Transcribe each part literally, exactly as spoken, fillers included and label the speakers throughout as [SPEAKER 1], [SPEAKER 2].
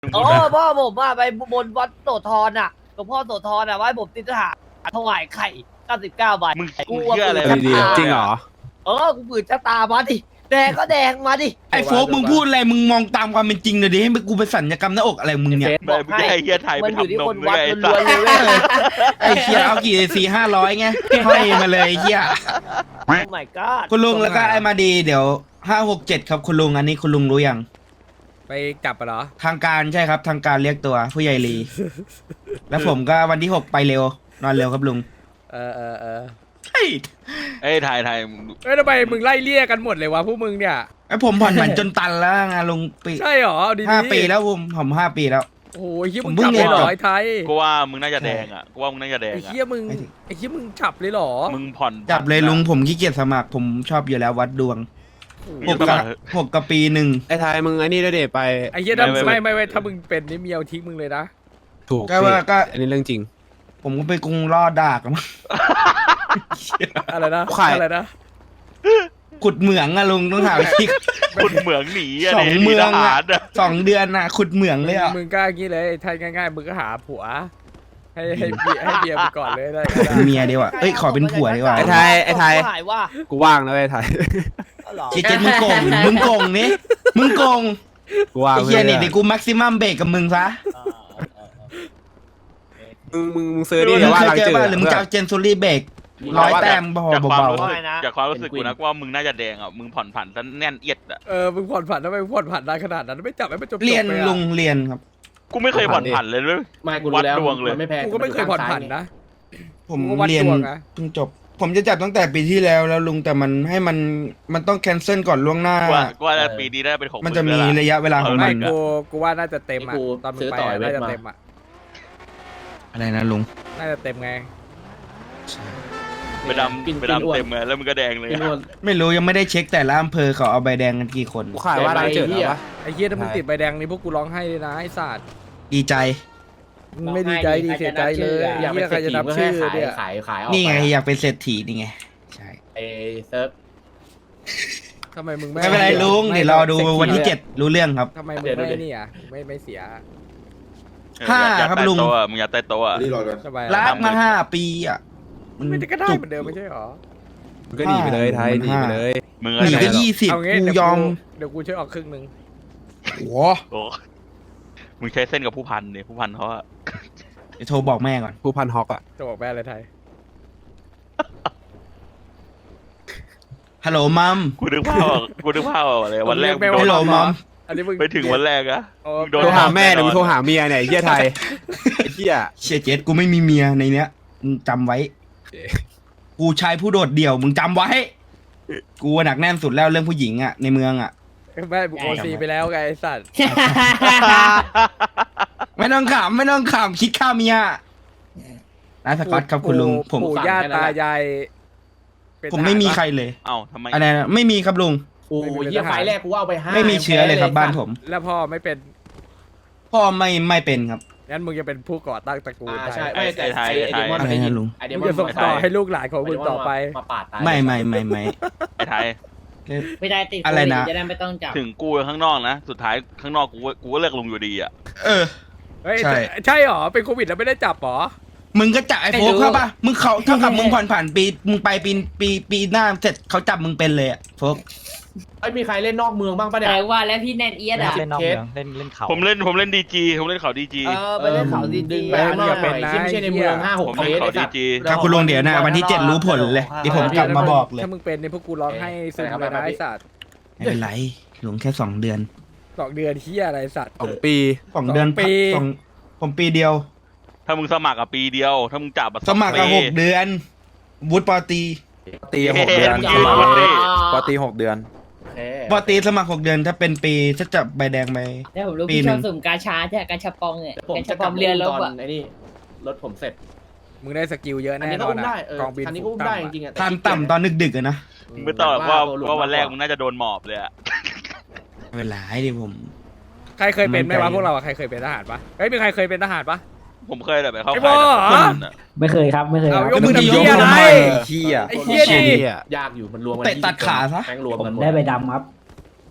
[SPEAKER 1] โอ้พ่อผมว่าไปบนวัดโสธรอ่ะหลวงพ่อโสธรอ่ะว่าให้ผมติดทหารถวายไข่เก้าสิบเก้าใบ
[SPEAKER 2] มึง
[SPEAKER 1] กู
[SPEAKER 2] เชื่ออะไร
[SPEAKER 1] ปืน
[SPEAKER 3] ดี
[SPEAKER 1] ชะตา
[SPEAKER 3] จริงเหรอ
[SPEAKER 1] เออกูปืนชะตามาดิแดงก็แดงมาดิ
[SPEAKER 3] ไอ้โฟกมึงพูดอะไรมึงมองตามความเป็นจริงเลยดิให้กูไปสัญญกรรมหน้าอกอะไรมึงเนี่ย
[SPEAKER 2] ไม่มึงจะให้เฮียไทยไป
[SPEAKER 1] มันอยู่ที่
[SPEAKER 2] ทำน
[SPEAKER 1] ค
[SPEAKER 2] ม
[SPEAKER 1] น
[SPEAKER 2] ด้
[SPEAKER 1] วั
[SPEAKER 2] ว
[SPEAKER 1] ด
[SPEAKER 2] ยไอ้
[SPEAKER 1] ล้
[SPEAKER 2] สั
[SPEAKER 1] วน
[SPEAKER 2] ส
[SPEAKER 1] ๆเลยเว้ย
[SPEAKER 3] ไอ้เคียเอากี่สี่ห้าร้อยไงห้อยมาเลยไอ้เคีย
[SPEAKER 1] โอ้ my god
[SPEAKER 3] คุณลุงแล้วก็ไอ้มาดีเดี๋ยวห้าหกเจ็ดครับคุณลุงอันนี้คุณลุงรู้ยัง
[SPEAKER 4] ไปกลับปะเหรอ
[SPEAKER 3] ทางการใช่ครับทางการเรียกตัวผู้ใหญ่ลี แล้วผมก็วันที่หกไปเร็วนอนเร็วครับลุง
[SPEAKER 4] เออเออเออ
[SPEAKER 3] เฮ้ย
[SPEAKER 2] ไอ้ไทยไทยมึง
[SPEAKER 4] เอ้ยทำไมมึงไล่เลี่ยกันหมดเลยวะพวกมึงเนี่ย
[SPEAKER 3] ไอ้ผมผ่อนผันจนตันแล้วไงลุงปี
[SPEAKER 4] ใช่เหรอเอาดีๆ
[SPEAKER 3] ห้าปีแล้วผมผมห้าปีแล้ว
[SPEAKER 4] โอ้ยเฮีย
[SPEAKER 3] ผ
[SPEAKER 4] มึ
[SPEAKER 3] ม
[SPEAKER 4] ง
[SPEAKER 3] เพิ่
[SPEAKER 4] จั
[SPEAKER 3] ง
[SPEAKER 4] บเลยเหร
[SPEAKER 3] เรียนจ
[SPEAKER 4] อบ ไอ้ไทย
[SPEAKER 2] กูว่ามึงน่าจะแดงอ่ะกูว่ามึงน่าจะแดง
[SPEAKER 4] ไอ้
[SPEAKER 2] อ่ะ
[SPEAKER 4] เฮียมึงไอ้เฮียมึงจับเลยเหรอ
[SPEAKER 2] มึงผ่อน
[SPEAKER 3] จับเลยลุงผมขี้เกียจสมัครผมชอบอยู่แล้ววัดดวง
[SPEAKER 2] มึง
[SPEAKER 3] หก
[SPEAKER 2] จะส
[SPEAKER 3] กับ
[SPEAKER 2] มัคร
[SPEAKER 3] หกกับปีหนึ่ง
[SPEAKER 5] ไอ้ไทยมึงไอ้นี่ด้วยเดไป
[SPEAKER 4] ไอ้เฮียถ้า
[SPEAKER 2] ไม่ไม่
[SPEAKER 4] ไม่ไม่ไม่ถ้ามึงเป็นนี่เมียวทิ้งมึงเลยนะ
[SPEAKER 5] ถูก
[SPEAKER 3] ก็ว่าก็
[SPEAKER 5] อันนี้เรื่องจริง
[SPEAKER 3] ผมก็ไปกรุงรอดดากอะมั้ง
[SPEAKER 4] อะไรนะ
[SPEAKER 5] ใคร
[SPEAKER 4] อะไรนะ
[SPEAKER 3] ขุดเหมืองอะลุงต้องหาวิธี
[SPEAKER 2] คุณเหมืองหนีอะ
[SPEAKER 3] สอง
[SPEAKER 2] หนี
[SPEAKER 3] เมือง
[SPEAKER 2] ท
[SPEAKER 3] อะ
[SPEAKER 2] หารอะ
[SPEAKER 3] สองเดือนอะขุดเหมืองเลยอะ
[SPEAKER 4] มึงกล้างี้เลยไทยง่ายๆมึงก็หาผัว ให้ให้เบียให้เบียร์ไปก่อนเลยได้ก็ได้
[SPEAKER 3] เป็นเมียดีกว่าเอ้ยขอเป็นผัวดีกว่า
[SPEAKER 5] ไอ้ไทยไอ้ไทย
[SPEAKER 1] หายว่า
[SPEAKER 5] กูว่างนะไอ้ไทย
[SPEAKER 1] เอาเหรอ
[SPEAKER 3] เจ๊เจ๊มึงโกงมึงโกงนี่มึงโกง
[SPEAKER 5] กูว่าง
[SPEAKER 3] ไอ้เฮียนี่เดี๋ยวกูแม็กซิมัมเบรกกับมึงซะ
[SPEAKER 5] มึงมึงมึงซื้อดิ
[SPEAKER 3] มึ
[SPEAKER 5] เดี๋ย
[SPEAKER 3] ง
[SPEAKER 5] วว่า
[SPEAKER 3] เคย
[SPEAKER 5] หลัง
[SPEAKER 3] เจอ
[SPEAKER 5] จืด
[SPEAKER 3] ป่ะหรือมึงจะเอาเจนซูรี่เบรกร้อยแต้มพอ
[SPEAKER 2] จากความ
[SPEAKER 3] เบา
[SPEAKER 2] รู้สึกจากความรู้สึกกูนะกูว่ามึงน่าจะแดงอ่ะมึงผ่อนผันซะแน่นเอียดอ่ะ
[SPEAKER 4] เออมึงผ่อนผันทำไมมึงผ่อนผันนานขนาดนั้นไม่จับให้มันจบๆ
[SPEAKER 3] ๆเรียน
[SPEAKER 4] ไปอะ
[SPEAKER 3] ลุงเรียนครับ
[SPEAKER 2] กูไม่เคยผ่อนผันเลยเลย
[SPEAKER 6] ไม่กูรู้แล้ว
[SPEAKER 2] วัดดวงเลย
[SPEAKER 6] มันไม่แพง
[SPEAKER 4] กูก็ไม่เคยผ่อนผันนะ
[SPEAKER 3] ผม
[SPEAKER 4] กูวัด
[SPEAKER 3] เรียน
[SPEAKER 4] ดวงนะ
[SPEAKER 3] เพิ่งจบ ผมจะจับตั้งแต่ปีที่แล้วแล้วลุงแต่มันให้มันมันต้องแคนเซิลก่อนล่วงหน้า
[SPEAKER 2] กูว่ากูว่าปีนี้ได้เป็นของ
[SPEAKER 3] มันจะมี
[SPEAKER 2] งแล้วล่
[SPEAKER 3] ระยะเวลาของ
[SPEAKER 4] ไม่
[SPEAKER 3] มัน
[SPEAKER 4] กูกูว่าน่าจะเต็มอ่ะตอนมึงไปอะน่าจะเต็มอ่ะ
[SPEAKER 3] อะไรนะลุง
[SPEAKER 4] น่าจะเต็มไง
[SPEAKER 2] ไปดำไปดำเต็มเลยแล้วมึงก็แดงเลย
[SPEAKER 6] พี่นวล
[SPEAKER 3] ไม่รู้ยังไม่ได้เช็คแต่ละอำเภอเขาเอาใบแดงกันกี่คน
[SPEAKER 5] กูขายว่าหลังจืด
[SPEAKER 6] ไอ้เหี้
[SPEAKER 5] เหร
[SPEAKER 6] ย
[SPEAKER 5] อวะ
[SPEAKER 4] ไอ้เฮียถ้ามึงติดใบแดงนี่พวกกูร้องไห้เลยนะไอ้สัตว์
[SPEAKER 3] ดีใจ
[SPEAKER 4] มึงไม่ดีใจดีเสียใจเลย
[SPEAKER 6] อยาก
[SPEAKER 4] เฮี
[SPEAKER 6] เป็น
[SPEAKER 4] ยใคร
[SPEAKER 6] เศรษ
[SPEAKER 4] จะ
[SPEAKER 6] ฐี
[SPEAKER 4] นับ
[SPEAKER 6] ก็แค่
[SPEAKER 4] ชื่อ
[SPEAKER 6] ขาย
[SPEAKER 4] เนี่ย
[SPEAKER 6] ขายขายออก
[SPEAKER 3] นี่ไง
[SPEAKER 6] ป
[SPEAKER 3] อยากเป็นเศรษฐีนี่ไงใช่
[SPEAKER 6] ไอ้เซิร์ฟ
[SPEAKER 4] ทำไมมึงไม่
[SPEAKER 3] ไม่เป็นไรลุง
[SPEAKER 4] ไม่
[SPEAKER 3] เดี๋ยวรอดูวันที่เจ็ดรู้เรื่องครับ
[SPEAKER 4] ทำไมมึง
[SPEAKER 6] เดี๋ยว
[SPEAKER 4] ไม่
[SPEAKER 6] เดี๋ยว
[SPEAKER 4] นี่อ่ะไม่ไม่เสีย
[SPEAKER 3] ห้า
[SPEAKER 2] อยาก
[SPEAKER 3] ครับ
[SPEAKER 2] ใต้
[SPEAKER 3] ลุง
[SPEAKER 2] โต๊ะอะมึงอยากใต้โต๊ะอะ
[SPEAKER 4] ทำไม
[SPEAKER 3] รั
[SPEAKER 4] อะ
[SPEAKER 3] กมาห้าปีอ่ะ
[SPEAKER 4] ไม่ได้ก็ได้
[SPEAKER 3] จุ
[SPEAKER 4] เหมือนเดิมไม่ใช่หรอ
[SPEAKER 5] มึงก็หนีไปเลยไทยหนีไปเลย
[SPEAKER 2] มึง
[SPEAKER 3] หนีก็
[SPEAKER 2] อะ
[SPEAKER 3] ยี่สิบ
[SPEAKER 4] เอางี้
[SPEAKER 3] กู
[SPEAKER 4] เดี๋ยวย
[SPEAKER 3] อม
[SPEAKER 4] เดี๋ยวกูช่วยออกครึ่งหนึ่ง
[SPEAKER 3] โอ้โห
[SPEAKER 2] โอ้มึงใช้เส้นกับผู้พันเนี่ยผู้พันเขาอะ
[SPEAKER 3] เดี๋ยวโทรบอกแม่ก่อน
[SPEAKER 5] ผู้พันฮอกอ่ะ
[SPEAKER 4] จะบอกแม่อะไรไทย
[SPEAKER 3] ฮัลโหลมัม
[SPEAKER 2] กูนึกภาพออกกูนึกภาพออกเลยวันแรกมึงโด
[SPEAKER 3] ฮัล
[SPEAKER 2] น
[SPEAKER 3] โหลมัม
[SPEAKER 4] อันนี้มึง
[SPEAKER 2] ไปถึงวันแรกอะ
[SPEAKER 4] โอ้
[SPEAKER 2] มึงโดน
[SPEAKER 5] โทรหาแม่หรือมึงโทรหาเมียเนี่ยไอ้เหี้ยไทยไอ้เหี้ย
[SPEAKER 3] เชียเจ็ดกูไม่มีเมียในเนี้ยมึงจำไว้ กูชายผู้โดดเดี่ยวมึงจำไว้ กูหนักแน่นสุดแล้วเรื่องผู้หญิงอ่ะในเมืองอ่ะ
[SPEAKER 4] แม่บุกโอซีไปแล้วไงไอ้สัตว์
[SPEAKER 3] ไม่ต้องขำไม่ต้องขำคิดข้าวเมียนะสกอตครับคุณลุงผม
[SPEAKER 4] ปู่ย่าตายายเป็น
[SPEAKER 3] ผมไม่มีใครเลย
[SPEAKER 2] เอ้าทำไม
[SPEAKER 3] อะไรนะไม่มีครับลุง
[SPEAKER 6] โอ้ยเหี้ยไฟล์แรกกูเอาไปห้า
[SPEAKER 3] ไม่มีเชื้อเลยครับบ้านผม
[SPEAKER 4] แล้วพ่อไม่เป็น
[SPEAKER 3] พ่อไม่ไม่เป็นครับ
[SPEAKER 4] งั้นมึงจะเป็นผู้ก่อตั้งตระกูล
[SPEAKER 6] อ่า
[SPEAKER 4] ไท
[SPEAKER 6] ใช่
[SPEAKER 4] ย
[SPEAKER 6] ไม่แต่ไอ้ไอ้เดมอน
[SPEAKER 3] อะไรนะลุง
[SPEAKER 6] ไอ้เดม
[SPEAKER 4] มึ
[SPEAKER 6] อง น
[SPEAKER 4] จะส่งต่อให้ลูกหลานของมึงต่อไป
[SPEAKER 6] มาปาดตาย
[SPEAKER 3] ไม่ไม่ไม่ไม่
[SPEAKER 2] ไอ้ไทย
[SPEAKER 1] ไม่ได้ติด
[SPEAKER 3] อะไรนะ
[SPEAKER 1] จะได้ไม่ต้องจับ
[SPEAKER 2] ถึงกูข้างนอกนะสุดท้ายข้างนอกกูกูก็เลิกลงอยู่ดีอะ
[SPEAKER 3] เออ
[SPEAKER 4] เฮ้ย
[SPEAKER 3] ใช่
[SPEAKER 4] ใช่หรอเป็นโควิดแล้วไม่ได้จับหรอ
[SPEAKER 3] มึงก็จับไอ้โฟกเข้าป่ะมึงเขาเท่ากับมึงผ่อนผ่านปีมึงไปปีปีปีหน้าเสร็จเขาจับมึงเป็นเลยอะโฟก
[SPEAKER 6] ไอ้ยมีใครเล่นนอกเมืองบ้างปะเนี่ย
[SPEAKER 1] แต่ว่าแล้วพี่แนนเอียดอ่ะ
[SPEAKER 6] เล่นนอกเมือง
[SPEAKER 7] เล่นเล่นเขา
[SPEAKER 2] ผมเล่นผมเล่นดีจีผมเล่นเขาดีจี
[SPEAKER 1] เออไปเล่นเขาดี
[SPEAKER 6] ดึง
[SPEAKER 1] ๆ
[SPEAKER 6] ไปข้างนอกหน่อยที่ไม่ใช่ในเมืองห้าหก
[SPEAKER 2] ผม
[SPEAKER 6] เค
[SPEAKER 2] เล่น
[SPEAKER 6] ส
[SPEAKER 2] เขา
[SPEAKER 6] ไอ้
[SPEAKER 2] ดี
[SPEAKER 6] สัตว์
[SPEAKER 2] จี
[SPEAKER 3] ครับคุณลุงเดี๋ยวนะวันที่เจ็ดรู้ผลเลยเดี๋ยวผมกลับมาบอกเลย
[SPEAKER 4] ถ้ามึงเป็นเนี่ยพวกกูร้องให้ซึมเลยนะไอ้สัตว์
[SPEAKER 3] ไม่เป็นไรหลงแค่สองเดือน
[SPEAKER 4] สองเดือนเฮียอะไรสัตว์
[SPEAKER 5] สองปี
[SPEAKER 3] สองเดือน
[SPEAKER 4] สองปี
[SPEAKER 3] สองผมปีเดียว
[SPEAKER 2] ถ้ามึงสมัครอะปีเดียว ถ้ามึงจับอะ
[SPEAKER 3] สมัคร
[SPEAKER 2] ปี
[SPEAKER 3] อะหกเดือนวุฒิปอตรี
[SPEAKER 7] ตีหกเดือน
[SPEAKER 2] เฮ้ยมึงยืนวันนี้
[SPEAKER 7] ปกตีหกเดือน
[SPEAKER 6] โอเค
[SPEAKER 3] ปอตรีสมัครหกเดือนถ้าเป็นปีถ้าจับใบแดงไป
[SPEAKER 1] แล้วผมรู้
[SPEAKER 3] ปี
[SPEAKER 1] พี่
[SPEAKER 3] หนึ่
[SPEAKER 1] ชอง บสุ่มกาชาใช่ไหมกาชาปองเนี่ย
[SPEAKER 6] เดี๋ยวผม
[SPEAKER 1] กา
[SPEAKER 6] จะ
[SPEAKER 1] ชาก ป
[SPEAKER 6] ลั
[SPEAKER 1] อบ ง
[SPEAKER 6] มา
[SPEAKER 1] เรียน
[SPEAKER 6] อุ้ม
[SPEAKER 1] แล้ว
[SPEAKER 6] ตอน
[SPEAKER 1] อะ
[SPEAKER 6] ไอ้นี่รถผมเสร็จ
[SPEAKER 4] มึงได้สกิลเยอะ
[SPEAKER 6] อัน
[SPEAKER 4] แน่
[SPEAKER 6] นี้
[SPEAKER 4] น
[SPEAKER 6] ก็
[SPEAKER 4] อน
[SPEAKER 6] อุ้ม
[SPEAKER 4] อะ
[SPEAKER 6] ได้เออก
[SPEAKER 4] องบิน
[SPEAKER 6] คันนี้ก็อุ้มได้จริงๆอะ
[SPEAKER 3] ทันต่ำตอนดึกๆอะนะ
[SPEAKER 2] มึงไม่ต้องหรอกว่าว่าวันแรกมึงน่าจะโดนหมอบเลยอะ
[SPEAKER 3] ไม่เป็นไรดิผม
[SPEAKER 4] ใครเคยเป็นไหมวะพวกเราอะใครเคยเป็นทหารปะเฮ้ยมีใครเคยเป็นทหารปะ
[SPEAKER 2] ผมเคยแต่ไปเข้า
[SPEAKER 4] ไอ้
[SPEAKER 2] ค่าย
[SPEAKER 4] บอ
[SPEAKER 2] ทหารอะ
[SPEAKER 7] ไม่เคยครับ ไม่เคยค
[SPEAKER 4] เอา
[SPEAKER 7] รับ
[SPEAKER 4] ยกมือ
[SPEAKER 3] แล้วมึงจะ
[SPEAKER 4] ทำเฮีย
[SPEAKER 3] ยก
[SPEAKER 4] อะไร
[SPEAKER 3] ทำไม
[SPEAKER 7] เฮีย
[SPEAKER 4] ไอ้เฮีย
[SPEAKER 5] เชี่
[SPEAKER 4] ดิ
[SPEAKER 5] ย
[SPEAKER 6] ยากอยู่มันรวมกัน
[SPEAKER 3] เตะตัดขาซะ
[SPEAKER 6] แม่งรวม
[SPEAKER 7] ผม
[SPEAKER 6] กันหมด
[SPEAKER 7] ได้ใบดำครับ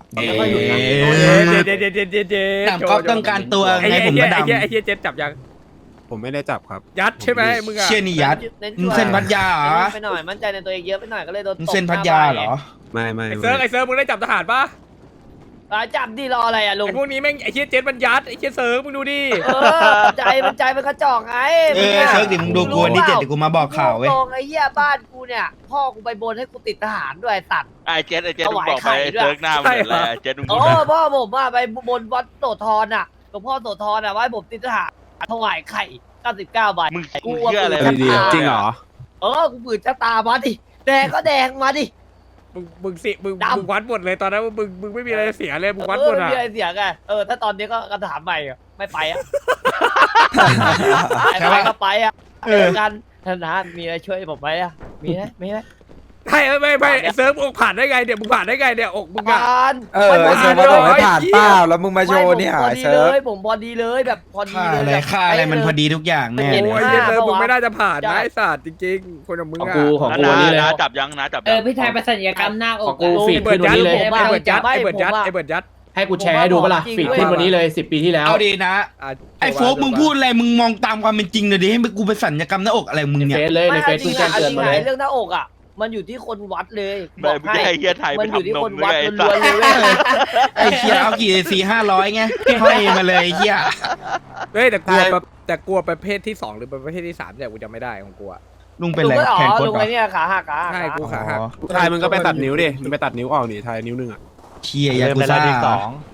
[SPEAKER 3] เอ๊
[SPEAKER 6] ไม่ค่อยหยุดนะ
[SPEAKER 3] ะ
[SPEAKER 4] เด็ดเด็ดเด็ดเด็ดเด็ด
[SPEAKER 3] ดำก๊อฟต้องการตัว
[SPEAKER 4] ไอ้
[SPEAKER 3] ไง
[SPEAKER 4] เหี้ย
[SPEAKER 3] ผมก็ด
[SPEAKER 4] ไอ้เหี้ยไอ้เหี้ยเจ็ดจับยัง
[SPEAKER 5] ผมไม่ได้จับครับ
[SPEAKER 4] ยัดใช่ไหมมึง
[SPEAKER 3] ำ
[SPEAKER 4] อะ
[SPEAKER 3] เชี่ยนี่ยัด มึงเส้นพัทยาเหรอ
[SPEAKER 1] ไปหน่อยมั่นใจในตัวเองเยอะไปหน่อยก็เลยโดนต
[SPEAKER 3] มึง
[SPEAKER 1] บ
[SPEAKER 3] เส้นพัทยาเหรอ
[SPEAKER 5] ไม่ไม่
[SPEAKER 4] ไอ้
[SPEAKER 5] ไม่
[SPEAKER 4] เซิร์ฟไอ้เซิร์ฟมึงได้จับทหารปะ
[SPEAKER 1] อ่ะจับดิรออะไรอ่ะลุง
[SPEAKER 4] ไอ้พวกนี้แม่งไอ้เหี้ยเจ็ดมันยัดไอ้เหี้ยเซิร์ฟมึงดูดิ
[SPEAKER 1] เออใจมันใจมันกระจอกไง
[SPEAKER 3] เออเซิร์ฟดิมึงดูกูวันที่เจ็ดเดี๋ยวกูมาบอกข่าวเว้ย
[SPEAKER 1] ตรงไอ้เหี้ยบ้านกูเนี่ยพ่อกูไปบนให้กูติดทหารด้วยไอ้สัตว์
[SPEAKER 2] ไอ้เจ็ดไอ้เจ็ด
[SPEAKER 1] ถ
[SPEAKER 2] มึง
[SPEAKER 1] วาย
[SPEAKER 2] บอกไป
[SPEAKER 1] ไข่ด้วย
[SPEAKER 2] เซิร์กหน้ามันเหมือนอะไรไอ้เจ็ดมึง
[SPEAKER 1] โอ้
[SPEAKER 2] พูดนะ
[SPEAKER 1] พ่อผมอ่ะไปบนวัดโสธรอ่ะหลวงพ่อโสธรอ่ะว่าให้ผมติดทหารถวายไข่เก้าสิบเก้าใบ
[SPEAKER 2] มึง
[SPEAKER 1] กู
[SPEAKER 2] มึงเชื่ออะไร
[SPEAKER 1] ปืน
[SPEAKER 5] ดี
[SPEAKER 1] ชะตา
[SPEAKER 5] ๆจริงเหรอ
[SPEAKER 1] เออกูปืนชะตามาดิแดงก็แดงมาดิ
[SPEAKER 4] มึงมึงสิมึง
[SPEAKER 1] ดำ
[SPEAKER 4] มึงวัดหมดเลยตอนนั้นมึงมึงไม่มีอะไรเสียเลยมึงวัด
[SPEAKER 1] เอ
[SPEAKER 4] หม
[SPEAKER 1] อ
[SPEAKER 4] ด
[SPEAKER 1] ไม่
[SPEAKER 4] อะ
[SPEAKER 1] มีอะไรเสียไงเออถ้าตอนนี้ก็กระถามใหม่อะไม่ไปอ่ะไอ้ไปก็ไปอ่ะ
[SPEAKER 3] เอ
[SPEAKER 1] เจ
[SPEAKER 3] อ
[SPEAKER 1] อกันท่านนะมีอะไรช่วยผมไหมอ่ะมีไหมมีไหม
[SPEAKER 4] ใช่ไม่ไม่ไอ้เซิร์ฟอกผ่านได้ไงเนี่ยมึงผ่านได้ไงเนี่ยอกมึงอะ
[SPEAKER 1] ผ่าน
[SPEAKER 7] เออไอ้เซิร์ฟมาบอกให้ผ่านเปล่าแล้วมึงมาโชว์เนี่ย
[SPEAKER 1] ไม่ผมพอ
[SPEAKER 7] ไอ้
[SPEAKER 1] ดี
[SPEAKER 7] เซิ
[SPEAKER 1] เล
[SPEAKER 7] ร์ฟ
[SPEAKER 1] ยผมพอดีเลยแบบพอดี
[SPEAKER 3] ค่า
[SPEAKER 1] เลย
[SPEAKER 3] อะไร
[SPEAKER 1] แบบ
[SPEAKER 3] ค่าอะไรมันพอดีทุกอย่างแน่
[SPEAKER 4] โอ้
[SPEAKER 3] เลย
[SPEAKER 4] ยเหี้ยเซิร์ฟ
[SPEAKER 1] ปะวะ
[SPEAKER 4] มึงไม่น่าจะผ่านนะไอ้สัตว์จริงๆคนอย่างมึง
[SPEAKER 6] ของ
[SPEAKER 4] อะ
[SPEAKER 6] กูของ
[SPEAKER 2] นะ
[SPEAKER 6] กูวันนี้เลย
[SPEAKER 2] นะจับยังนะจับ
[SPEAKER 8] เอ
[SPEAKER 2] ยั
[SPEAKER 8] อง พี่ชายไปสัญญกรรมหน้าอ
[SPEAKER 6] ขอก งกูฟีด
[SPEAKER 4] ไอ้เบิ
[SPEAKER 6] ขึ้
[SPEAKER 4] ร์
[SPEAKER 6] น
[SPEAKER 4] ด
[SPEAKER 6] วัน
[SPEAKER 4] ยัด
[SPEAKER 6] นี้เลย
[SPEAKER 4] ไอ้เบิร์ดยัดไอ้เบิร์ดยัดไอ้เบิร์ดยัด
[SPEAKER 6] ให้กูแชร์ให้ดูปะล่ะฟีดขึ้นวันนี้เลยสิบปีที่แล้ว
[SPEAKER 3] เอาดีนะ
[SPEAKER 4] อ่ะ
[SPEAKER 3] ไอ้โฟกมึงพูดอะไรมึงมองตามความเป็นจริงเลยดิให้กูไปสัญญกรรมหน้าอกอะไรมึง
[SPEAKER 6] ใน
[SPEAKER 3] เนี่ย
[SPEAKER 6] เฟซเลยใน
[SPEAKER 1] ไม่
[SPEAKER 6] เฟ
[SPEAKER 1] เอา
[SPEAKER 6] ซ
[SPEAKER 1] จริ
[SPEAKER 6] เพิ่
[SPEAKER 1] ง
[SPEAKER 6] ง
[SPEAKER 1] อะ
[SPEAKER 6] แจ้ง
[SPEAKER 1] เอา
[SPEAKER 6] เตื
[SPEAKER 1] จ
[SPEAKER 6] อน
[SPEAKER 1] ริง
[SPEAKER 6] มา
[SPEAKER 1] อะ
[SPEAKER 6] เลย
[SPEAKER 1] เรื่องหน้าอกอ่ะมันอยู่ที่คนวัดเลยบ
[SPEAKER 2] ไม่
[SPEAKER 1] อก
[SPEAKER 2] ไม่
[SPEAKER 1] ให้
[SPEAKER 2] ให้เฮียไทยไป
[SPEAKER 1] มันอยู่ที่
[SPEAKER 2] ทำน
[SPEAKER 1] ค
[SPEAKER 2] ม
[SPEAKER 1] น
[SPEAKER 2] ด้
[SPEAKER 1] วั
[SPEAKER 2] ว
[SPEAKER 1] ด
[SPEAKER 2] ยไอ้
[SPEAKER 1] ล้
[SPEAKER 2] สั
[SPEAKER 1] วน
[SPEAKER 2] ส
[SPEAKER 1] ๆเลยเว้ย
[SPEAKER 3] ไอ้เคียเอากี่สี่ห้าร้อยไงห้อยมาเลยไอ้เคีย
[SPEAKER 4] เฮ้ยแต่กลัว
[SPEAKER 3] ใช่
[SPEAKER 4] แบบแต่กลัวประเภทที่สองหรือประเภทที่สามเนี่ยกูจำไม่ได้ของกูอะ
[SPEAKER 3] ลุงเป็นไร
[SPEAKER 1] ลุงก็อ๋
[SPEAKER 3] แขน
[SPEAKER 1] อ
[SPEAKER 3] โคต
[SPEAKER 1] ลุ
[SPEAKER 3] รง เหร
[SPEAKER 1] ไอ้
[SPEAKER 3] อ
[SPEAKER 1] เนี่ยขาหักขาหัก
[SPEAKER 4] ใช่กูขาหัก
[SPEAKER 3] อ๋อ
[SPEAKER 5] ไทยมึงก็ไปตัดนิ้วดิมึงไปตัดนิ้วออกนี่ไทยนิ้วหนึงอ่ะ
[SPEAKER 3] เชียยากุซ่า